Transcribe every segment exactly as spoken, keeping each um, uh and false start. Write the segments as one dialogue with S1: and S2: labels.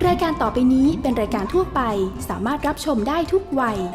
S1: รายการต่อไปนี้เป็นรายการทั่วไปสามารถรับชมได้ทุกวัย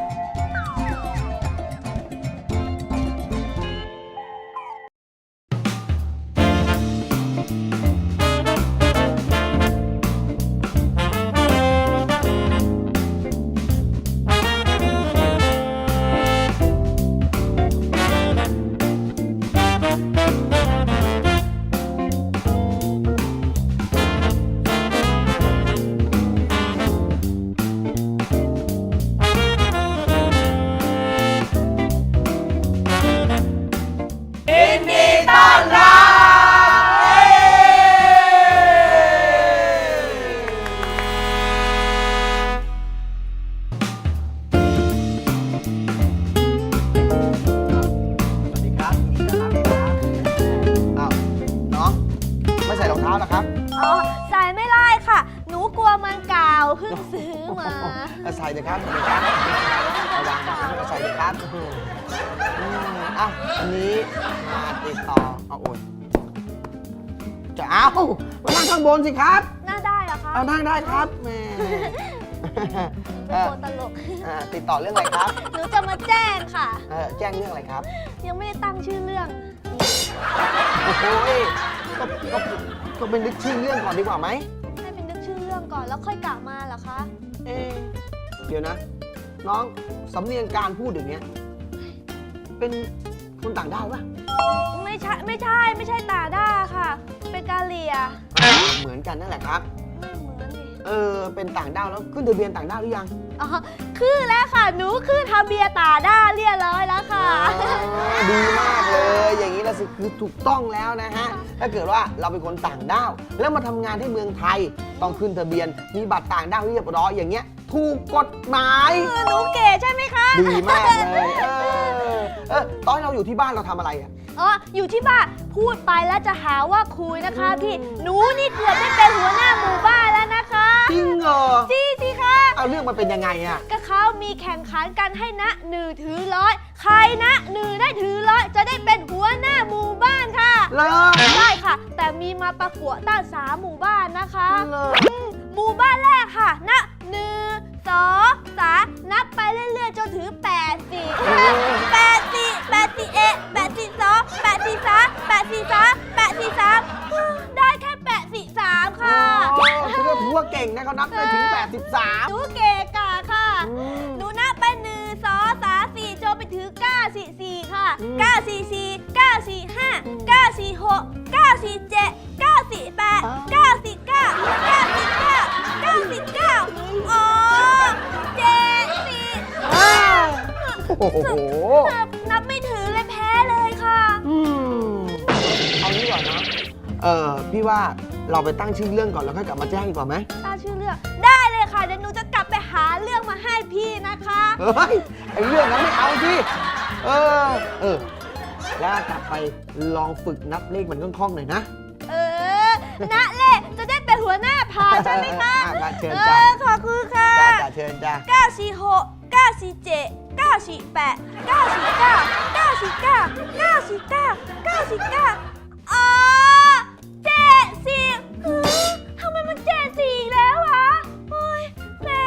S2: ใส่เลยครับระวังนะครับใส่เลยครับอ่ะอันนี้มาติดต่อเอาโอนจะเอามานั่งข้างบนสิครับ
S3: นั่งได้เหรอคะ
S2: เอานั่งได้ครับแม่
S3: เป็นคนตลก
S2: ติดต่อเรื่องอะไรครับ
S3: หนูจะมาแจ้งค่ะ
S2: แจ้งเรื่องอะไรครับ
S3: ยังไม่ได้ตั้งชื่อเรื่อง
S2: โอ้ยก็ก็ก็เป็นนึกชื่อเรื่องก่อนดีกว่าไหม
S3: ให้เป็นนึกชื่อเรื่องก่อนแล้วค่อยกลับมาเหรอคะ
S2: เอ๊ะเดี๋ยวนะน้องสำเนียงการพูดอย่างเงี้ยเป็นคนต่างด้าวป่ะ
S3: ไม่ใช่ไม่ใช่ไม่ใช่ต่างด้าวค่ะเป็นกาเลีย
S2: เหมือนกันนั่นแหละครับ
S3: ไม่เหมือนดิ
S2: เออเป็นต่างด้าวแล้วขึ้นทะเบียนต่างด้าวหรือยัง
S3: อ๋อขึ้นแล้วค่ะหนูขึ้นทะเบียนต่างด้าวเรียบร้อยแล้วค่ะ
S2: ดีมากเลยอย่างนี้แล้วคือถูกต้องแล้วนะฮะถ้าเกิดว่าเราเป็นคนต่างด้าวแล้วมาทำงานที่เมืองไทยต้องขึ้นทะเบียนมีบัตรต่างด้าวเรียบร้อยอย่างเงี้ยถูกกฎหมาย
S3: หนูเก๋ใช่ไหมคะ
S2: ดีมากเลยเออเออตอนเราอยู่ที่บ้านเราทำอะไรอ่ะ
S3: อ๋ออยู่ที่บ้านพูดไปแล้วจะหาว่าคุยนะคะพี่หนูนี่เกือบได้เป็นหัวหน้าหมู่บ้านแล้วนะคะ
S2: จริงเหรอ
S3: จริงสิคะ
S2: เอาเรื่องมันเป็นยังไงอ่ะ
S3: ก็เขามีแข่งขันกันให้นะหนึ่งถือร้อยใครนะหนึ่งได้ถือร้อยจะได้เป็นหัวหน้าหมู่บ้านค่ะ
S2: เหรอ
S3: ใช่ค่ะแต่มีมาประกวดตั้งสามหมู่บ้านนะคะหมู่บ้านแรกค่ะนะหนึ่งสองสามนับไปเรื่อยๆจนถึงแปดสี่แปดสี่แปดสี่เอ็ดแปดสี่สองแปดสี่สามแปดสี่สามแปดสี่สามได้แค่แปดสี่สามค่ะ
S2: ถือว่าถือว่าเก่งนะเขานับไปถึงแปดสิบสาม
S3: หนูเก่งกะค่ะหนูนับไปหนึ่งสองสามสี่จนไปถึงเก้าสี่สี่ค่ะเก้าสี่สี่เก้าสี่ห้าเก้าสี่หกเก้าสี่เจ็ดเก้าสี่แปดเก้าสี่เก้าเก้าสี่เก้าเก้าสี่เก้าอ๋อเจ็ดสี่
S2: โอ้โห
S3: นับไม่ถึงเลยแพ้เลยค่ะ
S2: อืมเอางี้ก่อนนะเออพี่ว่าเราไปตั้งชื่อเรื่องก่อนแล้วค่อยกลับมาแจ้งดีกว่าไหม
S3: ตั้งชื่อเรื่องได้เลยค่ะเดี๋ยวหนูจะกลับไปหาเรื่องมาให้พี่นะคะ
S2: เฮ้ยไอเรื่องนั้นไม่เอาสิเออเออแล้วกลับไปลองฝึกนับเลขมันคล่องๆหน่อยนะ
S3: เออนับเลขจะได้เป็นหัวหน้าพาใช่ไหมคะ
S2: เชิญจ้า
S3: ขอบคุณค่ะ
S2: จ้าเชิญจ้า
S3: เก้าสี่หกเก้าสี่เจ็ดเก้าสี่แปดเก้าสี่เก้าเก้าสี่เก้าเก้าสี่เก้าเก้าสี่เก้าอ๋อเจ็ดสี่ทำไมมันเจ็ดสี่อีกแล้ววะโอ้ยแรง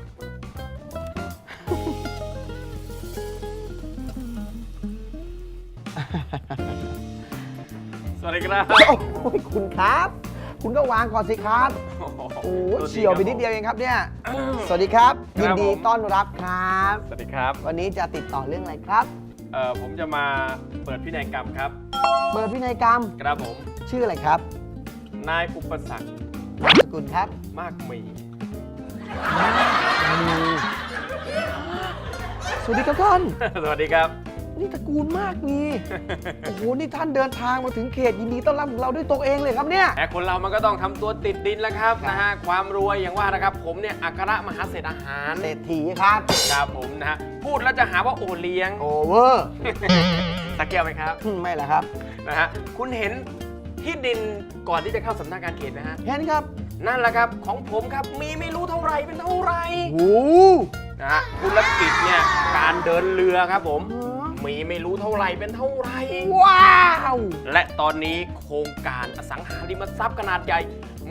S4: สวัสดีครับ
S2: โอ้ยคุณครับคุณก็วางก่อนสิครับโอ้เฉียวไปนิดเดียวเองครับเนี่ยสวัสดีครับยินดีต้อนรับครับ
S4: สวัสดีครับ
S2: วันนี้จะติดต่อเรื่องอะไรครับ
S4: เอ่อผมจะมาเปิดพินัยกรรมครับ
S2: เปิดพินัยกรรม
S4: ครับผม
S2: ชื่ออะไรครับ
S4: นายอุปสรรคน
S2: ามสกุลครับ
S4: มากมี
S2: สวัสดีครับท่าน
S4: สวัสดีครับ
S2: นี่ตระกูลมากมีโอ้โหนี่ท่านเดินทางมาถึงเขตยินดีต้อนรับเราด้วยตัวเองเลยครับเนี่ย
S4: แต่คนเรามันก็ต้องทำตัวติดดินแล้วครับนะฮะความรวยอย่างว่านะครับผมเนี่ยอัครมหาเศรษฐอาหาร
S2: เศรษฐีครับ
S4: ครับผมนะฮะพูดแล้วจะหาว่าโอเลี้ยง
S2: โอเวอร์
S4: ตะเกียบไหมครับ
S2: ไม่แหละครับ
S4: นะฮะคุณเห็นที่ดินก่อนที่จะเข้าสำนักงานเขตนะฮะ
S2: เห็นครับ
S4: นั่นแหละครับของผมครับมีไม่รู้เท่าไรเป็นเท่าไร
S2: โอ้
S4: นะฮะธุรกิจเนี่ยการเดินเรือครับผมมีไม่รู้เท่าไรเป็นเท่าไร
S2: ว้าว
S4: และตอนนี้โครงการอสังหาริมทรัพย์ขนาดใหญ่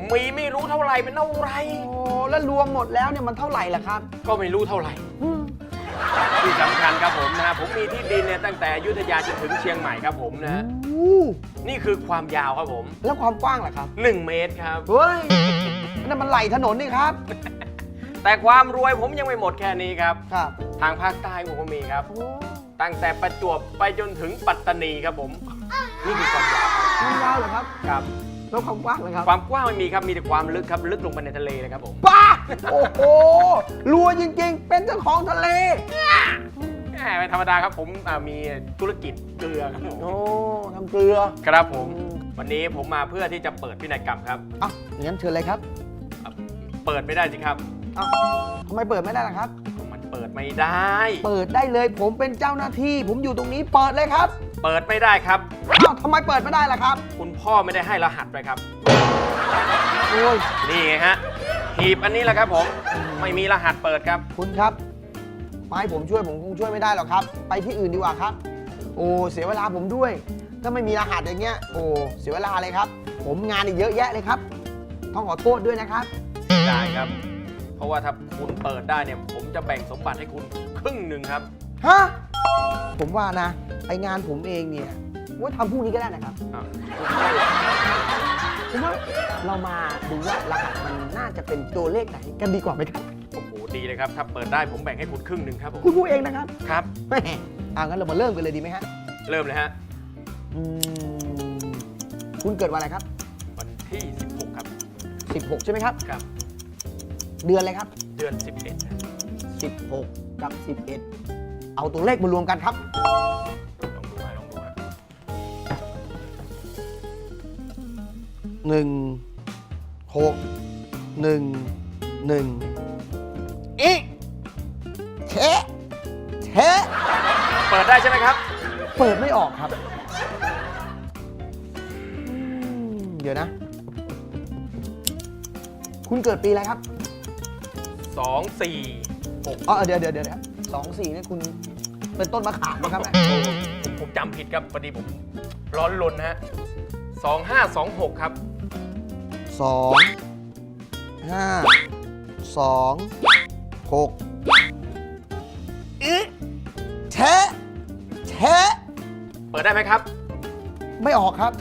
S4: มีไม่รู้เท่าไหร่เป็นเท่าไหร่
S2: โอ้แล้วรวมหมดแล้วเนี่ยมันเท่าไหร่ล่ะครับ
S4: ก็ไม่รู้เท่าไหร่ที่สำคัญครับผมนะผมมีที่ดินเนี่ยตั้งแต่อยุธยาจนถึงเชียงใหม่ครับผมนะ
S2: โอ้
S4: นี่คือความยาวครับผม
S2: แล้วความกว้างล่ะครับ
S4: หนึ่งเมตรครับ
S2: เฮ้ยนั่นมันไหลถนนนี่ครับ
S4: แต่ความรวยผมยังไม่หมดแค่นี้ครับ
S2: ครับ
S4: ทางภาคใต้ผมก็มีครับ
S2: โอ้
S4: ตั้งแต่ประจวบไปจนถึงปัตตานีครับผม นี่คือความยาวครับ
S2: มันยาวเหรอครับ
S4: ครับ
S2: แล้วความกว้างล่ะครับ
S4: ความกว้างไม่มีครับ มีแต่ความลึกครับ ลึกลงไปในทะเลเลยครับผม
S2: ป้าโอ้โหรวยจริงๆ เป็นเจ้าของทะเล
S4: แหมเป็นธรรมดาครับผมอ่ามีธุรกิจเกลือครับผม
S2: โอ้ทำเกลือ
S4: ครับผม
S2: อืม
S4: วันนี้ผมมาเพื่อที่จะเปิดพินัยกรรมครับ
S2: อ่ะงั้นเชิญเลยครับ
S4: อ่ะเปิดไม่ได้สิครับ
S2: อ้าวทำไมเปิดไม่ได้ล่ะครับ
S4: มันเปิดไม่ได้
S2: เปิดได้เลยผมเป็นเจ้าหน้าที่ ผมอยู่ตรงนี้เปิดเลยครับ
S4: เปิดไม่ได้ครับ
S2: อ้าวทำไมเปิดไม่ได้ล่ะครับ
S4: คุณพ่อไม่ได้ให้รหัสไปครับ
S2: โอ้ย
S4: นี่ไงฮะ หีบอันนี้แหละครับผม ไม่มีรหัสเปิดครับ
S2: คุณครับมาให้ผมช่วยผมคงช่วยไม่ได้หรอกครับ ไปที่อื่นดีกว่าครับ โอ้เสียเวลาผมด้วย ถ้าไม่มีรหัสอย่างเงี้ย โอ้เสียเวลาเลยครับ ผมงานอีกเยอะแยะเลยครับ ต้องขอโทษด้วยนะครับ
S4: ได้ครับ เพราะว่าถ้าคุณเปิดได้เนี่ย ผมจะแบ่งสมบัติให้คุณครึ่งหนึ่งครับ
S2: ฮะ ผมว่านะไองานผมเองเนี่ยว่าทำพรุ่งนี้ก็ได้นะครับ
S4: อ่ะ
S2: ผมว่าเรามาดูว่ารหัสมันน่าจะเป็นตัวเลขไหนกันดีกว่าไหมครับ
S4: โอ้โห ดีเลยครับ ถ้าเปิดได้ผมแบ่งให้คุณครึ่งหนึ่งครับผม
S2: คุณพูดเองนะครับ
S4: ครับ
S2: แหมเอางั้นเรามาเริ่มกันเลยดีไหมฮะ
S4: เริ่มเลยฮะ
S2: อืมคุณเกิดวันอะไรครับ
S4: วันที่ สิบหก ครับ
S2: สิบหกใช่ไหมครับ
S4: ครับ
S2: เดือนอะไรครับ
S4: เดือน สิบเอ็ด
S2: สิบหก กับ สิบเอ็ด เอาตัวเลขมารวมกันครับ
S4: ลองดูฮะลองดูฮะ
S2: หนึ่ง หก หนึ่ง หนึ่งอีเทะเทะ
S4: เปิดได้ใช่ไหมครับ
S2: เปิดไม่ออกครับอืมเดี๋ยวนะ คุณเกิดปีอะไรครับ
S4: สอง สี่ หก
S2: อ๋อเดี๋ยวเดี๋ยวเดี๋ยวสองสี่เนี่ยคุณเป็นต้นมะขามนะครับ
S4: โอ้ผมผมจำผิดครับพอดีผมร้อนรนนะฮะสองห้าสองหกครับ
S2: สองห้าสองหกอีเทะเทะ
S4: เปิดได้ไหมครับ
S2: ไม่ออกครับ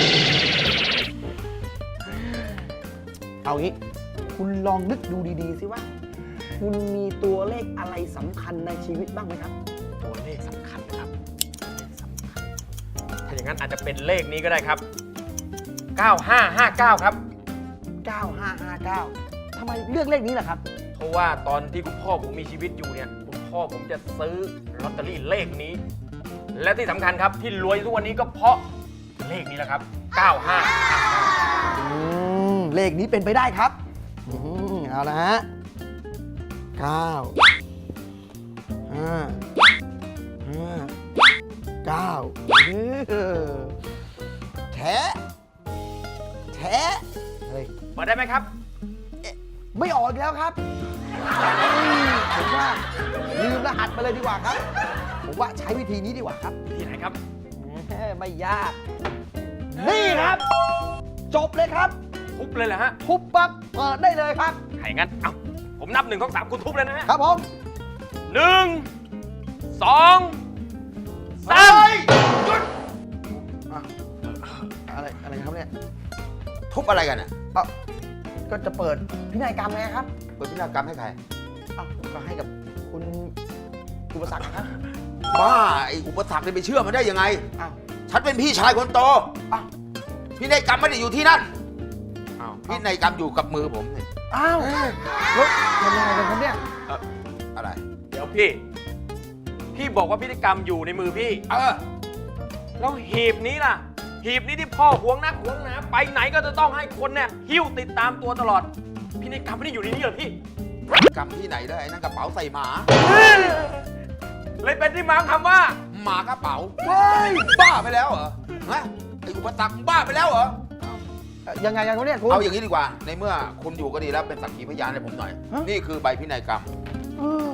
S2: เอางี้ คุณลองนึกดูดีๆสิว่า คุณมีตัวเลขอะไรสำคัญในชีวิตบ้างไหมครับ
S4: ตัวเลขสำคัญนะครับเลขสำคัญถ้าอย่างนั้นอาจจะเป็นเลขนี้ก็ได้ครับ เก้าห้าห้าเก้า ครับ
S2: เก้าห้าห้าเก้า ทำไมเลือกเลขนี้ล่ะครับ
S4: เพราะว่าตอนที่คุณพ่อผมมีชีวิตอยู่เนี่ยคุณพ่อผมจะซื้อลอตเตอรี่เลขนี้ และที่สำคัญครับที่รวยทุกวันนี้ก็เพราะเลขนี้แหละครับ เก้าห้าห้าเก้า
S2: อืม เลขนี้เป็นไปได้ครับ อืม เอาละฮะเก้าห้าห้าเก้าเออแทะแทะเฮ้ย
S4: เปิดได้ไหมครับ
S2: ไม่ออกอีกแล้วครับอืมผมว่าลืมรหัสไปเลยดีกว่าครับ ผมว่าใช้วิธีนี้ดีกว่าครับ
S4: ที่ไหนครับ
S2: แหมไม่ยาก นี่ครับ จบเลยครับ
S4: ทุบเลยเหรอฮะ
S2: ทุบปั๊บเปิดได้เลยครับ
S4: ถ้าอย่างนั้นเอ้าผมนับหนึ่งสองสามคุณทุบเลยนะฮะ
S2: ครับผม
S4: หนึ่งสองสาม
S2: เฮ้ยหยุดอ่ะอะไรอะไรครับเนี่ย
S5: ทุบอะไรกันอ่ะ
S2: เอ้าก็จะเปิดพินัยกรรมไงครับ
S5: เปิดพินัยกรรมให้ใคร
S2: เอ้าก็ให้กับคุณอุปสรรคนะครับ
S5: บ้าไอ้อุปสรรคเนี่ยไปเชื่อมันได้ยังไง
S2: อ้าว
S5: ฉันเป็นพี่ชายคนโต
S2: อ้าว
S5: พินัยกรรมไม่ได้อยู่ที่นั่น
S4: อ้าว
S5: พินัยกรรมอยู่กับมือผมเนี่ย
S2: อ้าวแล้วทำยังไงกันครับเนี่ย
S5: อะไร
S4: เดี๋ยวพี่ พี่บอกว่าพิธีกรรมอยู่ในมือพี่
S5: เออ
S4: แล้วหีบนี้ล่ะ หีบนี้ที่พ่อหวงนักหวงหนาไปไหนก็จะต้องให้คนเนี่ยหิ้วติดตามตัวตลอด พิธีกรรมไม่ได้อยู่ในนี้เหรอพี่
S5: กรรมที่ไหนได้ไอ้นั่นกระเป๋าใส่หมา
S4: เลยเป็นที่มาของคำว่า
S5: หมากระเป๋าเฮ้ยบ้าไปแล้วเหรอฮะไอ้อุปสรรคบ้าไปแล้วเหรอ
S2: เอ่อยังไงกันครับเนี่ยคุณ
S5: เอาอย่างนี้ดีกว่า ในเมื่อคุณอยู่ก็ดีแล้วเป็นสักขีพยานให้ผมหน่อย
S2: ฮะ
S5: นี่คือใบพินัยกรรม
S2: เออ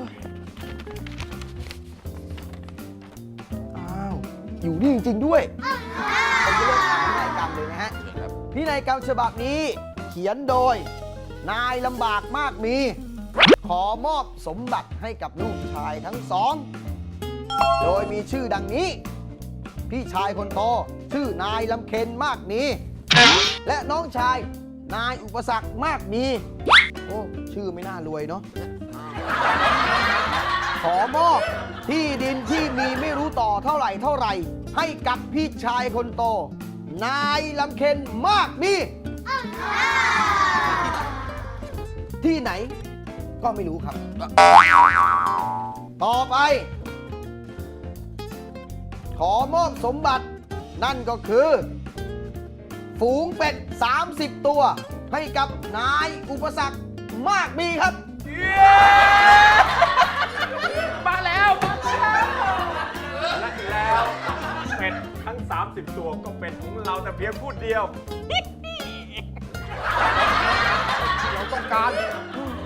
S2: อ้าว อยู่นี่จริงๆด้วย ผมจะเริ่มอ่านพินัยกรรมเลยนะฮะ พินัยกรรมฉบับนี้เขียนโดย นายลำบากมากมี ขอมอบสมบัติให้กับลูกชายทั้งสอง โดยมีชื่อดังนี้ พี่ชายคนโตชื่อนายลำเค็ญมากมี และน้องชายนายอุปสรรคมากมี โอ้ชื่อไม่น่ารวยเนาะ ขอมอบที่ดินที่มีไม่รู้ต่อเท่าไหร่เท่าไหร่ ให้กับพี่ชายคนโต นายลำเค็ญมากมี ที่ไหนก็ไม่รู้ครับ ต่อไป ขอมอบสมบัตินั่นก็คือ ฝูงเป็ด สามสิบ ตัว ให้กับนายอุปสรรคมากมีครับ
S4: มาแล้วมาแล้วและแล้วเป็ดทั้ง สามสิบ ตัวก็เป็นของเราแต่เพียงผู้เดียว เราต้องการ
S2: อ่ะ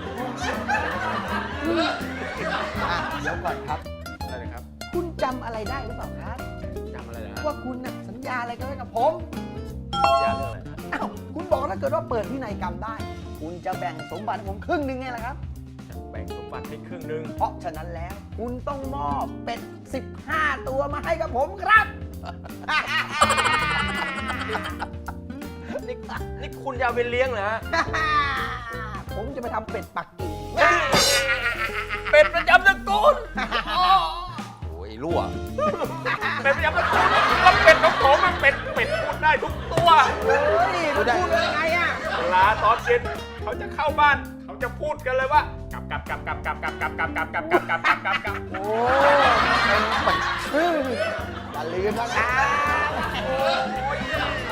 S2: เดี๋ยวก่อนครับ
S4: อะไรนะครับ
S2: คุณจำอะไรได้หรือเปล่าครับ
S4: จำอะไรนะ
S2: ว่าคุณน่ะสัญญาอะไรกันไว้กับผม
S4: ยาเรื่องอะไรนะ
S2: อ้าวคุณบอกถ้าเกิดว่าเปิดพินัยกรรมได้ คุณจะแบ่งสมบัติให้ผมครึ่งหนึ่งไงล่ะครับ
S4: จะแบ่งสมบัติให้ครึ่งหนึ่ง
S2: เพราะฉะนั้นแล้ว คุณต้องมอบเป็ด สิบห้า ตัวมาให้กับผมครับ
S4: นี่นี่คุณจะเอาไปเลี้ยงเหรอฮะ
S2: ผมจะไปทำเป็ดปักกิ่ง
S4: เป็ดประจำตระกูล
S5: โอ้ยรั่ว
S4: เป็ดประจำตระกูลแล้วเป็ดของผมมันเป็ดเป็ดพูดได้ทุกตัว
S2: เฮ้ยมันพูดได้ไงอ่ะ
S4: เวลาตอนเย็นเขาจะเข้าบ้าน เขาจะพูดกันเลยว่ากลับกลับกลับกลับกลับกลับกลับกลับกลับกลับกลับกลับกลับกลับกลับ
S2: โอ้เป็นเป็ดชื่ออย่าลืมนะครับ